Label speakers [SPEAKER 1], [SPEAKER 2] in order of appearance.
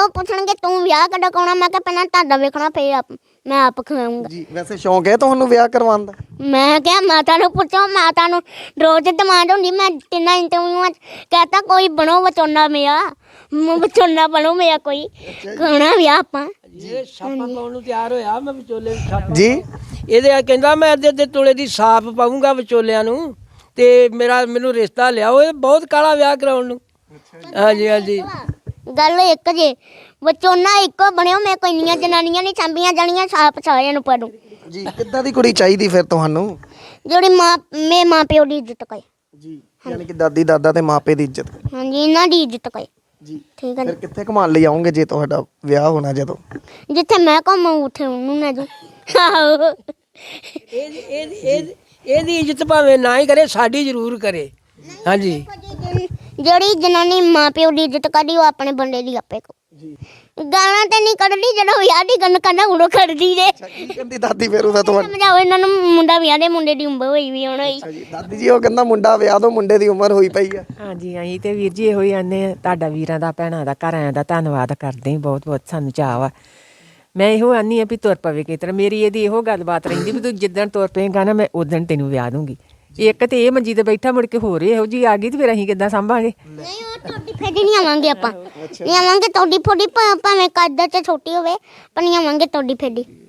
[SPEAKER 1] ਉਹ ਪੁੱਛਣਗੇ ਤੂੰ ਵਿਆਹ ਕਦੋਂ ਕਰਾਉਣਾ, ਮੈਂ ਕਿਹਾ ਪਹਿਲਾਂ ਤੁਹਾਡਾ ਵੇਖਣਾ ਫਿਰ ਮੈਂ ਆਪ ਖਵਾਉਂਗਾ
[SPEAKER 2] ਜੀ ਵੈਸੇ ਸ਼ੌਂਕ ਹੈ ਤੁਹਾਨੂੰ ਵਿਆਹ ਕਰਵਾਉਣ ਦਾ?
[SPEAKER 1] ਮੈਂ ਕਿਹਾ ਮਾਤਾ ਨੂੰ ਪੁੱਛੋ, ਮਾਤਾ ਨੂੰ ਰੋਜ਼ ਡਿਮਾਂਡ ਹੁੰਦੀ। ਮੈਂ ਤਿੰਨਾਂ ਇੰਟਰਵਿਊਆਂ 'ਚ ਕਹਤਾ ਕੋਈ ਬਣੋ ਵਿਚੋਲਾ ਮੇਰਾ, ਵਿਚੋਲਾ ਬਣੋ ਮੇਰਾ, ਕੋਈ ਕਰਾਉਣਾ ਵਿਆਹ ਆਪਾਂ।
[SPEAKER 3] ਇਹ ਛਾਪਾ ਪਾਉਣ ਨੂੰ ਤਿਆਰ ਹੋਇਆ, ਮੈਂ ਵਿਚੋਲੇ ਨੂੰ ਛਾਪਾ
[SPEAKER 2] ਜੀ
[SPEAKER 3] ਇਹਦੇ ਕਹਿੰਦਾ ਮੈਂ ਅੱਧੇ ਤੋਲੇ ਦੀ ਸਾਫ ਪਾਉਂਗਾ ਵਿਚੋਲਿਆਂ ਨੂੰ, ਤੇ ਮੈਨੂੰ ਰਿਸ਼ਤਾ ਲਿਆਓ। ਇਹ ਬਹੁਤ ਕਾਲਾ ਵਿਆਹ ਕਰਾਉਣ ਨੂੰ। ਹਾਂਜੀ ਹਾਂਜੀ
[SPEAKER 1] ਗੱਲ ਇੱਕ ਜੇ ਵਿਚੋਲਾ ਇੱਕੋ ਬਣਿਓ, ਮੇਰੇ ਕੋਈ ਇੰਨੀਆਂ ਜਨਾਨੀਆਂ ਨਹੀਂ ਸਾਂਭੀਆਂ ਜਾਣੀਆਂ, ਸਾਪ ਸਾਰਿਆਂ ਨੂੰ ਪੜੂ।
[SPEAKER 2] ਜੀ ਕਿੱਦਾਂ ਦੀ ਕੁੜੀ ਚਾਹੀਦੀ ਫਿਰ ਤੁਹਾਨੂੰ?
[SPEAKER 1] ਜਿਹੜੀ ਮਾਂ ਪਿਓ ਦੀ ਇੱਜ਼ਤ ਕਰੇ।
[SPEAKER 2] ਜੀ ਯਾਨੀ ਕਿ ਦਾਦੀ ਦਾਦਾ ਤੇ ਮਾਪੇ ਦੀ ਇੱਜ਼ਤ।
[SPEAKER 1] ਹਾਂਜੀ ਇਹਨਾਂ ਦੀ ਇੱਜ਼ਤ ਕਰੇ।
[SPEAKER 2] ਜੀ
[SPEAKER 1] ਠੀਕ ਹੈ
[SPEAKER 2] ਫਿਰ ਕਿੱਥੇ ਘੁਮਾਉਣ ਲਈ ਆਉਂਗੇ ਜੇ ਤੁਹਾਡਾ ਵਿਆਹ ਹੋਣਾ ਜਦੋਂ?
[SPEAKER 1] ਜਿੱਥੇ ਮੈਂ ਘੁੰਮਾਂ ਉੱਥੇ ਉਹਨੂੰ ਨਾ ਜੂ। ਆਹੋ
[SPEAKER 3] ਇਹਦੀ ਇੱਜ਼ਤ ਭਾਵੇਂ ਨਾ ਹੀ ਕਰੇ, ਸਾਡੀ ਜ਼ਰੂਰ ਕਰੇ। ਹਾਂਜੀ
[SPEAKER 1] ਜਿਹੜੀ ਜਨਾਨੀ ਮਾਂ ਪਿਓ ਦੀ ਇੱਜ਼ਤ ਕਰਦੀ ਉਹ ਆਪਣੇ ਬੰਦੇ ਦੀ ਆਪੇ ਕੋ। ਗਾਲਾਂ ਤੇ ਨਹੀਂ ਕੱਢਦੀ, ਜਦੋਂ ਵਿਆਹ ਦੀ ਗੱਲ ਕਰਨਾ ਉਦੋਂ ਕੱਢਦੀ ਜੇ।
[SPEAKER 2] ਕੀ ਕਹਿੰਦੀ ਦਾਦੀ ਫਿਰ ਉਹਦਾ ਤੁਹਾਡਾ?
[SPEAKER 1] ਸਮਝਾਓ ਇਹਨਾਂ ਨੂੰ, ਮੁੰਡਾ ਵਿਆਹ ਦੇ ਮੁੰਡੇ ਦੀ ਉਮਰ ਹੋਈ ਵੀ ਹੁਣ ਹੋਈ।
[SPEAKER 2] ਜੀ ਦਾਦੀ ਜੀ ਉਹ ਕਹਿੰਦਾ ਮੁੰਡਾ ਵਿਆਹ ਦੋ, ਮੁੰਡੇ ਦੀ ਉਮਰ ਹੋਈ ਪਈ ਆ।
[SPEAKER 4] ਹਾਂਜੀ ਅਸੀਂ ਤੇ ਵੀਰ ਜੀ ਇਹੋ ਹੀ ਆਨੇ ਆ, ਤੁਹਾਡਾ ਵੀਰਾਂ ਦਾ ਭੈਣਾਂ ਦਾ ਘਰ ਆਇਆਂ ਦਾ ਧੰਨਵਾਦ ਕਰਦੇ ਹਾਂ, ਬਹੁਤ ਬਹੁਤ ਸਾਨੂੰ ਚਾਅ ਵਾ। ਮੈਂ ਇਹੋ ਆਨੀ ਆ ਵੀ ਤੁਰ ਪਵੇ ਕਿਸ ਤਰ੍ਹਾਂ। ਮੇਰੀ ਇਹਦੀ ਇਹੋ ਗੱਲਬਾਤ ਰਹਿੰਦੀ ਵੀ ਤੂੰ ਜਿੱਦਣ ਤੁਰ ਪਏਗਾ ਨਾ ਮੈਂ ਉਦਣ ਤੈਨੂੰ ਵਿਆਹ ਦੂੰਗੀ। ਇੱਕ ਤੇ ਇਹ ਮੰਜੀ ਤੇ ਬੈਠਾ, ਮੁੜ ਕੇ ਹੋਰ ਇਹੋ ਜੀ ਆ ਗਈ ਤੇ ਫਿਰ ਅਸੀਂ ਕਿੱਦਾਂ ਸਾਂਭਾਂਗੇ?
[SPEAKER 1] ਨਹੀਂ ਉਹ ਤੁਹਾਡੀ ਫੇਡੀ ਨਹੀਂ ਆਵਾਂਗੇ ਆਪਾਂ, ਨਹੀਂ ਆਵਾਂਗੇ ਤੁਹਾਡੀ ਫੋਡੀ, ਭਾਵੇਂ ਕੱਦ ਚ ਛੋਟੀ ਹੋਵੇ ਪਰ ਨਹੀਂ ਆਵਾਂਗੇ ਤੁਹਾਡੀ ਫੇਡੀ।